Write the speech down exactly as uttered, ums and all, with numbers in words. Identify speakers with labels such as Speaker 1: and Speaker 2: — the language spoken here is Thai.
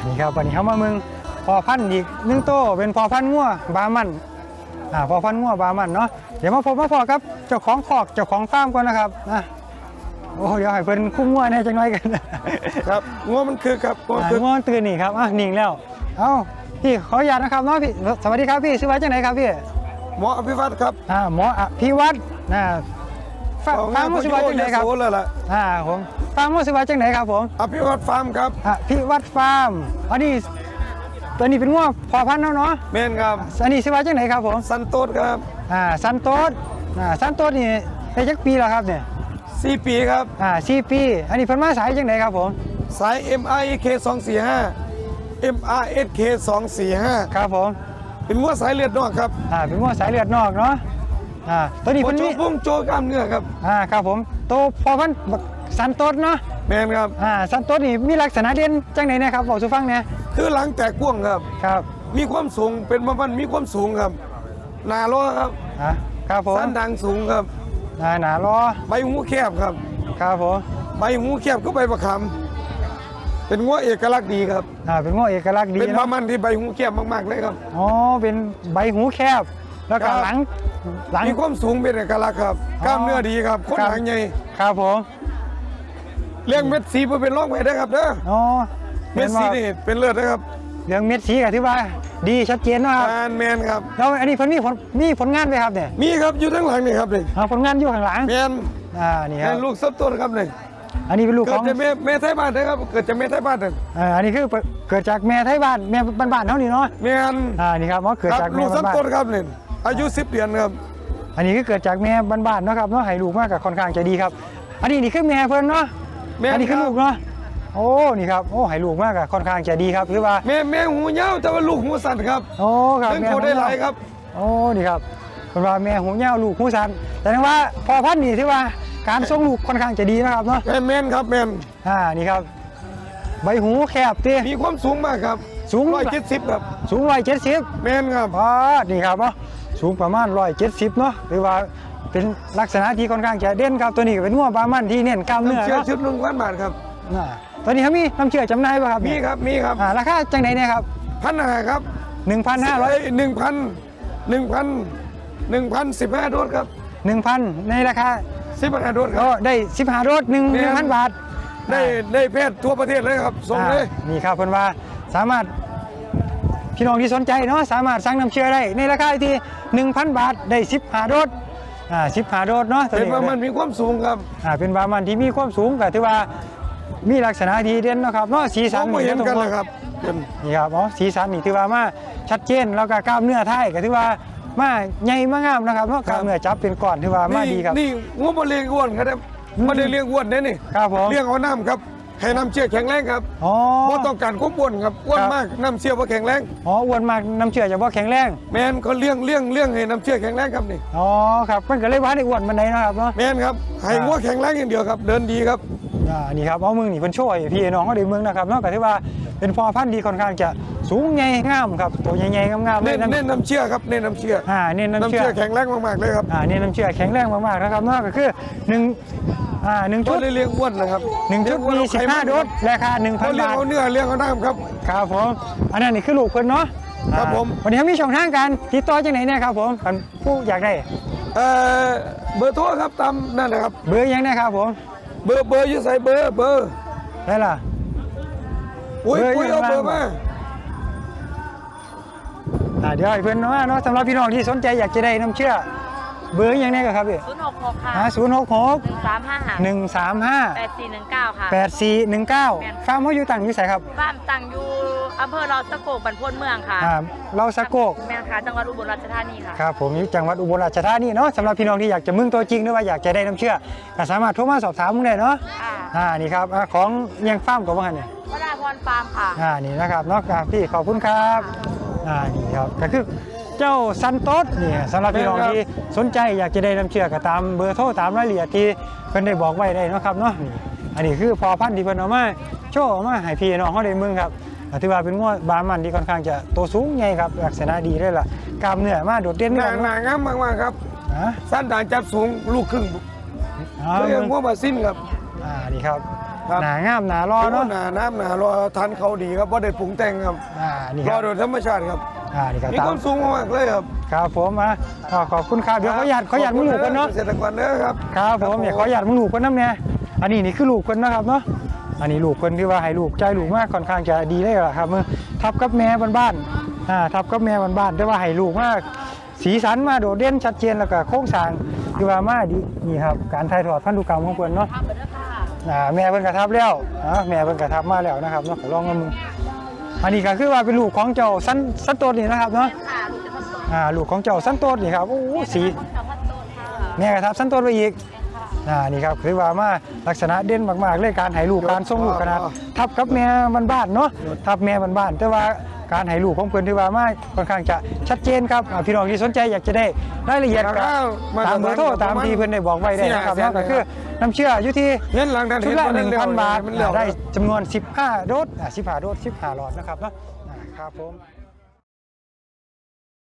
Speaker 1: นี่ครับวันนี้เขามาเมืองพอพันธุ์อีกหนึ่งโตเป็นพอพันธุ์งัวบามันอ่าพอพันธุ์งัวบามันเนาะเดี๋ยวมาพบมาพอครับเจ้าของคอกเจ้าของฟาร์มก่อนนะครับนะโอ้เดี๋ยวให้เพิ่นคุ้มงัวแน่จังหน่อยกัน
Speaker 2: ครับงัวมันคือครับงัวคือ
Speaker 1: งัวตื่นนี่ครับอ่ะนิ่งแล้วเอ้าพี่ขออนุญาตนะครับเนาะพี่สวัสดีครับพี่ชื่อว่าจังไหนครับพี่
Speaker 2: หมออภิวัตรครับ
Speaker 1: อ่าหมออภิวัตรนะฟาร์มชื่อว่าจังไหนครับ
Speaker 2: เลยล่ะ
Speaker 1: อ่าผมฟาร์มชื่อว่าจังไหนครับผม
Speaker 2: อภิวัตรฟาร์มครับ
Speaker 1: อภิวัตรฟาร์มอันนี้ตัวนี้เป็นงัวพอพันธุ์เนาะเนาะ
Speaker 2: แม่นครับ
Speaker 1: อันนี้ชื่อว่าจังไหนครับผม
Speaker 2: สันโตษครับ
Speaker 1: อ่าสันโตษอ่าสันโตษนี่ได้จักปีแล้วครับเนี่ย
Speaker 2: สี่ปีครับ
Speaker 1: อ่าสี่ปีอันนี้เพิ่นมาสายจังไหนครับผม
Speaker 2: สาย เอ็ม อาร์ เค สองสี่ห้า เอ็ม อาร์ เอส เค สองสี่ห้า
Speaker 1: ครับผม
Speaker 2: เป็นงัวสายเลือดนอกครับ
Speaker 1: อ่าเป็นงัวสายเลือดนอกเนาะอ่าตัวนี้เพิ่นมี
Speaker 2: พุ่งโจกล้ามเนื้อครับ
Speaker 1: อ่าครับผมโตพอพันธุ์สันโตษเนาะ
Speaker 2: แม่นครับ
Speaker 1: อ่าสันโตษนี่มีลักษณะเด่นจังไหนนะครับบอกสู่ฟังเนี่ย
Speaker 2: คือหลังแตกกว้างครับ
Speaker 1: ครับ
Speaker 2: มีความสูงเป็นประมาณมีความสูงครับหนาล้อครับ
Speaker 1: อ่าครับผม
Speaker 2: สันดังสูงครับ
Speaker 1: อ่าหนาล้อ
Speaker 2: ใบหูแคบครับ
Speaker 1: ครับผม
Speaker 2: ใบหูแคบก็ใบประคำเป็นงัวเอกลักษณ์ดีครับ
Speaker 1: อ่าเป็นงัวเอกลักษณ์ดี
Speaker 2: เป็นประมาณที่ใบหูแคบมากๆเลยครับ
Speaker 1: อ๋อเป็นใบหูแคบแล้วก็หลัง
Speaker 2: หลังมีความสูงเป็นเอกลักษณ์ครับกล้ามเนื้อดีครับคนหางใหญ่
Speaker 1: ครับผม
Speaker 2: เรื่องเม็ดสีเป็นร่องไว้ได้ครับเด้อ
Speaker 1: อ๋อ
Speaker 2: เม็ดสีนี่เป็นเลือดนะครับ
Speaker 1: เรื่องเม็ดสีก็ถือว่าดีชัดเจนนะครับ
Speaker 2: แมนครับ
Speaker 1: แล้วอันนี้เพิ่นมีผลมีผลงานไหมครับเนี่ย
Speaker 2: มีครับอยู่ทั้งหลังนี่ครับนี่
Speaker 1: ผลงานอยู่ข้างหลัง
Speaker 2: แมน
Speaker 1: อ่านี่ครับ
Speaker 2: ลูกซับต้นครับนี่
Speaker 1: อันนี้เป็นลูกของ
Speaker 2: เกิดจากแม่แม่ไทยบ้านนะครับเกิดจากแม่ไทยบ้านเลย
Speaker 1: อ่าอันนี้คือเกิดจากแม่ไทยบ้านแม่บ้านๆเท่านี้เนาะ
Speaker 2: แมน
Speaker 1: อ่านี่ครับเกิดจาก
Speaker 2: ลูกซับต้นครับนี่อายุสิบเดือนครับ
Speaker 1: อันนี้คือเกิดจากแม่บ้านๆเนาะครับเนาะให้ลูกมากกับค่อนข้างจะดีครับอันนี้นี่คือแม่เพิ่นเนาะอันนี้คือลูกเนาะโอ้นี่ครับโอ้ให้ลูกมากกับค่อนข้างจะดีครับคือว่า
Speaker 2: แม่แม่หูยาวแต่ว่าลูกหูสั้นครับ
Speaker 1: โอ้ครับ
Speaker 2: แม่หูได้หลายครับ
Speaker 1: โอ้นี่ครับเป็นว่าแม่หูยาวลูกหูสั้นแต่ว่าพอพันธุ์นี่ที่ว่าการส่งลูกค่อนข้างจะดีนะครับเนาะ
Speaker 2: แม่นครับแม่น
Speaker 1: อ่านี่ครับใบหูแคบตี
Speaker 2: มีความสูงมากครับ
Speaker 1: สูง
Speaker 2: ร้อยเจ็ดสิบครับ
Speaker 1: สูงร้อยเจ็ดสิบ
Speaker 2: แม่นครับ
Speaker 1: อ๋อนี่ครับเนาะสูงประมาณร้อยเจ็ดสิบเนาะหรือว่าเป็นลักษณะที่ค่อนข้างจะเด่นครับตัวนี้เป็นงัวบามันที่เน้นกล้ามเนื้อ
Speaker 2: เชื่อชุดหนึ่งพันบาทครับ
Speaker 1: ตอนนี้เขามีน้ำเชื่อจำหน่ายป่ะครับ
Speaker 2: มีครับมีครับ
Speaker 1: ราคาจังไหนเนี่ยครับ
Speaker 2: พันห้าครับ
Speaker 1: หนึ่งพันห้าร้อย
Speaker 2: หนึ่งพันหนึ่งพันหนึ่งพันสิบห้าโดสครับ
Speaker 1: หนึ่งพันในราคา
Speaker 2: สิบห้าโดสครับ
Speaker 1: ได้สิบห้าโดสหนึ่งหนึ่งพันบาท
Speaker 2: ได้ได้แพทย์ทั่วประเทศเลยครับส่งเลย
Speaker 1: นี่ครับเพิ่นว่าสามารถพี่น้องที่สนใจเนาะสามารถสั่งน้ำเชื่อได้ในราคาที่หนึ่งพันบาทได้สิบห้าโดสอ่าสิบห้าโดสเนาะ
Speaker 2: เป็นบามันมีความสูงครับ
Speaker 1: อ่าเป็นบามันที่มีความสูงก็ถือว่ามีลักษณะที่เด่นนะครับเนาะสีสัน
Speaker 2: นี่เห็นกันเลยครับ
Speaker 1: นี่ครับอ๋อสีสันนี่ถือว่ามาชัดเจนแล้วก็กล้ามเนื้อไทยก็ถือว่ามาใหญ่มางามนะครับเนาะกล้ามเนื้อจับเป็นก้อนถือว่ามาดีครับ
Speaker 2: นี่งูมาเลี้ยงอ้วนครับไม่ได้เลี้ยงอ้วนเนี่ยนี่
Speaker 1: ครับผม
Speaker 2: เลี้ยงเอาน้ำครับให้น้ำเชื่อแข็งแรงครับ
Speaker 1: อ๋อ
Speaker 2: เพราะต้องการควบอ้วนครับอ้วนมากน้ำเชื่อว่าแข็งแรง
Speaker 1: อ๋ออ้วนมากน้ำเชื่อจะว่าแข็งแรง
Speaker 2: แมนเขาเลี้ยงเลี้ยงเลี้ยงให้น้ำเชื่อแข็งแรงครับนี่
Speaker 1: อ๋อครับมันก็เลยว่าได้อ้วนมันไหนนะครับเนาะ
Speaker 2: แมนครับให้งัวแข็งแรงอย่างเดียวครับเดินดีครับ
Speaker 1: อ่านี่ครับเอามึงนี่เพิ่นช่วยพี่น้องเขาได้เมืองนะครับนอกจากที่ว่าเป็นพอพันธุ์ดีค่อนข้างจะสูงใหญ่งามครับตัวใหญ่ๆงามๆ
Speaker 2: เน้นเน้นน้ำเชื่อครับเน้นน้ำเชื่อ
Speaker 1: อ่าเน้นน้ำเชื่อ
Speaker 2: แข็งแรงมากๆเลยครับ
Speaker 1: อ่าเน้นน้ำเชื่อแข็งแรงมากๆนะครับนอกก็คือหนึ่งอ่าหนึ่งชุด
Speaker 2: เลี้ยงอ้วนนะครับ
Speaker 1: หนึ่งชุดมีสิบห้าโดสราคาหนึ่งพันบาท
Speaker 2: เลี้ยงเอาเนื้อเลี้ยงเอาน้ำครับ
Speaker 1: ครับผมอันนั้นนี่คือลูกเพิ่นเนาะ
Speaker 2: ครับผม
Speaker 1: วันนี้มีช่องทางการติดต่อจังไหนเนี่ยครับผมผู้อยากได้
Speaker 2: เอ่อเบอร์โทรครับตามนั่นนะครับ
Speaker 1: เบอร์ยังนะครับผม
Speaker 2: เบอร์เบอร์อยู่ใส่เบอร์เบอร์
Speaker 1: ได้ล่ะ
Speaker 2: อุ้ยอุ้ยเอาเบอร์มา
Speaker 1: เดี๋ยวให้เพื่อนเนาะเนาะสำหรับพี่น้องที่สนใจอยากจะได้น้ำเชื่อเบอร์ยังไงครับพี่
Speaker 3: ศูนย์หกหกค่ะ
Speaker 1: ศูนย์หกหก
Speaker 3: หนึ่งสามห้า
Speaker 1: หนึ่งสามห้า
Speaker 3: แปดสี่หนึ่งเก้าค่ะ
Speaker 1: แปดสี่หนึ่งเก้าฟาร์มเขาอยู่ต่างอยู่ไสครับ
Speaker 3: ฟาร์มต่างอยู่อำเภอเราสะโกกบรรพตเมืองค่ะ
Speaker 1: เราสะโกก
Speaker 3: แม่ค่ะจังหวัดอุบลราชธานีค่ะ
Speaker 1: ครับผมอยู่จังหวัดอุบลราชธานีเนาะสำหรับพี่น้องที่อยากจะมึงตัวจริงหรือว่าอยากจะได้น้ำเชื่อก็สามารถโทรมาสอบถามมึงได้เนาะอ่านี่ครับของยังฟาร์มกับว่าไงเนี่ยว
Speaker 3: ราพรฟาร์มค่ะ
Speaker 1: อ่านี่นะครับเนาะพี่ขอบคุณครับอ่านี่ครับก็คือเจ้าซันโต๊ดนี่สำหรับพี่น้องที่สนใจอยากจะได้น้ำเชื่อก็ตามเบอร์โทรตามรายละเอียดที่เพิ่นได้บอกไว้ได้นะครับเนาะนี่อันนี้คือพอพันธุ์ที่เพิ่นเอามาโชว์มาให้พี่น้องเขาได้มึงครับถือว่าเป็นงัวบามันที่ค่อนข้างจะโตสูงใหญ่ครับลักษณะดีเลยล่ะกล้ามเนื้อมาโดดเด่น
Speaker 2: หนาหนางามมากๆครับสั้นด่านจับสูงลูกครึ่งเรื่องงัวบาซินครับ
Speaker 1: อ่านี่ครับ
Speaker 2: ครับ
Speaker 1: หนางามหนารอเนาะ
Speaker 2: หนาน้ำหนารอทานเขาดีครับว่าได้ปรุงแต่งครับ
Speaker 1: อ่านี่
Speaker 2: ร
Speaker 1: ค
Speaker 2: อ
Speaker 1: รับ
Speaker 2: โดยธรรมชาติครับ
Speaker 1: อ่านี่ก็
Speaker 2: มี
Speaker 1: ตา
Speaker 2: ค
Speaker 1: ม
Speaker 2: วามสูงมากเลยครับ
Speaker 1: ครับผมอ่ะอ่าขอบคุณครับเดี๋ยวขออนุญาตขออนุญาตมึงลูกกันเนาะ
Speaker 2: เกษตรกรเด้อครับ
Speaker 1: ครับผมเดี๋ยวขออนุญาตมึงลูกกันน้ำเนี่ยอันนี้นี่คือลูกคนนะครับเนาะอันนี้ลูกคนที่ว่าให้ลูกใจลูกมากค่อนข้างจะดีเลยล่ะครับมือทับกับแม่บ้านๆอ่าทับกับแม่บ้านๆแต่ว่าให้ลูกมากสีสันมาโดดเด่นชัดเจนแล้วก็โครงสร้างคือว่ามาดีนี่ครับการถ่ายทอดพันธุกรรมของเพิ่นเนาะ
Speaker 3: ทำไปด้วยค่ะ
Speaker 1: อ่าแม่เพิ่นกระทับแล้วอ่าแม่เพิ่นกระทับมาแล้วนะครับเนาะขอลองมามึงอันนี้ก็คือว่าเป็นลูกของเจ้าสันสันโตดนี่นะครับเนาะ
Speaker 3: ค่ะลูกจะพันโต
Speaker 1: อ่าลูกของเจ้าสันโตดนี่ครับโอ้โหสี
Speaker 3: ค่ะพันโตค่ะ
Speaker 1: แม่กระทับสันโตดไปอีกอ่านี่ครับคือว่ามาลักษณะเด่นมากๆเลยการให้ลูกการส่งลูกขนาดทับกับแม่บ้านๆเนาะทับแม่บ้านๆแต่ว่าการให้ลูกของเพิ่นที่ว่ามาค่อนข้างจะชัดเจนครับอ่าพี่น้องที่สนใจอยากจะได้รายละเอียดก็ตามเบอร์โทรตามที่เพิ่นได้บอกไว้ได้นะครับเนาะก็คือน้ำเชื่ออยู่ที่
Speaker 2: เห็นหลังทัน
Speaker 1: ชุดละ หนึ่ง
Speaker 2: เห็นบ่ได้
Speaker 1: พัน
Speaker 2: เร็ว
Speaker 1: บาท
Speaker 2: มันเร็ว
Speaker 1: ได้จำนวนสิบห้าโดสอ่าสิบห้าโดสสิบห้าหลอดนะครับเนาะอ่าครับผม